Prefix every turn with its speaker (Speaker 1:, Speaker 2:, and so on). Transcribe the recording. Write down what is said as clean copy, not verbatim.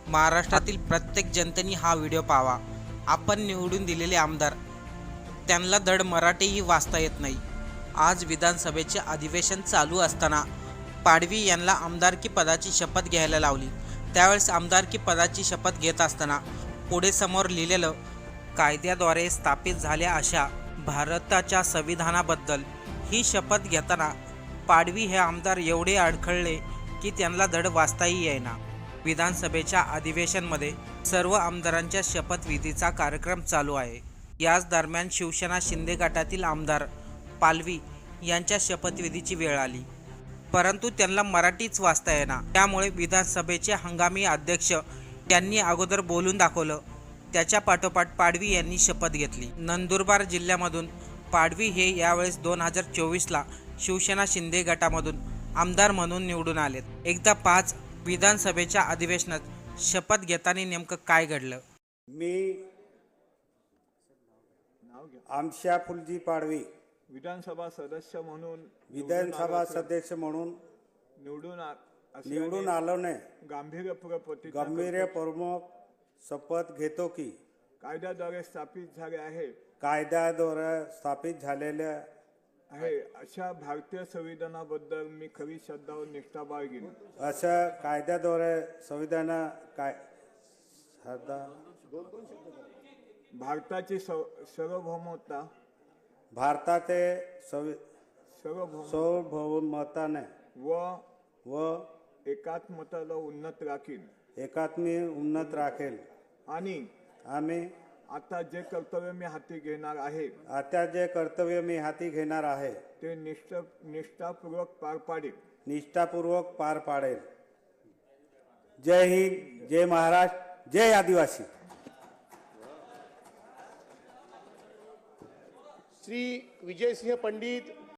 Speaker 1: महाराष्ट्रातील प्रत्येक जनतेने हा व्हिडिओ पाहावा। आपण निवडून दिलेले आमदार, त्यांना धड मराठीही वाचता येत नाही। आज विधानसभेचे अधिवेशन चालू असताना पाडवी यांना आमदारकी पदाची शपथ घ्यायला लावली। त्यावेळेस आमदारकी पदाची शपथ घेत असताना पुढे समोर लिहिलेलं, कायद्याद्वारे स्थापित झाल्या अशा भारताच्या संविधानाबद्दल ही शपथ घेताना पाडवी हे आमदार एवढे अडखळले की त्यांना धड वाचताही येईना। विधानसभेच्या अधिवेशनमध्ये सर्व आमदारांच्या शपथविधीचा कार्यक्रम चालू आहे। याच दरम्यान शिवसेना शिंदे गटातील आमदार पालवी यांच्या शपथविधीची वेळ आली, परंतु त्यांना मराठीच वाचता येईना। त्यामुळे विधानसभेचे हंगामी अध्यक्ष यांनी अगोदर बोलून दाखवलं। त्याच्या पाठोपाठ पाडवी यांनी शपथ घेतली। नंदुरबार जिल्ह्यामधून पाडवी हे यावेळेस 2024ला शिवसेना शिंदे गटामधून आमदार म्हणून निवडून आलेत। एकदा 5 विधानसभेच्या अधिवेशनात शपथ घेताना नेमकं काय घडलं?
Speaker 2: मी आमशा फुलजी पाडवी
Speaker 3: विधानसभा सदस्य म्हणून
Speaker 2: निवडून आलो ने
Speaker 3: गांभीर्यपूर्वक
Speaker 2: शपथ घेतो की
Speaker 3: कायद्याद्वारे
Speaker 2: स्थापित झालेल्या
Speaker 3: आहे अशा भारतीय संविधानाबद्दल मी खरी श्रद्धा व निष्ठा बाळगीन।
Speaker 2: अशा कायद्याद्वारे
Speaker 3: भारताची सार्वभौमता
Speaker 2: सार्वभौमताने व
Speaker 3: एकात्मतेला उन्नत
Speaker 2: राखेल
Speaker 3: आणि
Speaker 2: आम्ही
Speaker 3: आता जे कर्तव्य मी हाती घेणार आहे ते निष्ठापूर्वक
Speaker 2: पार पाडेल। जय हिंद, जय महाराष्ट्र, जय आदिवासी।
Speaker 4: श्री विजयसिंह पंडित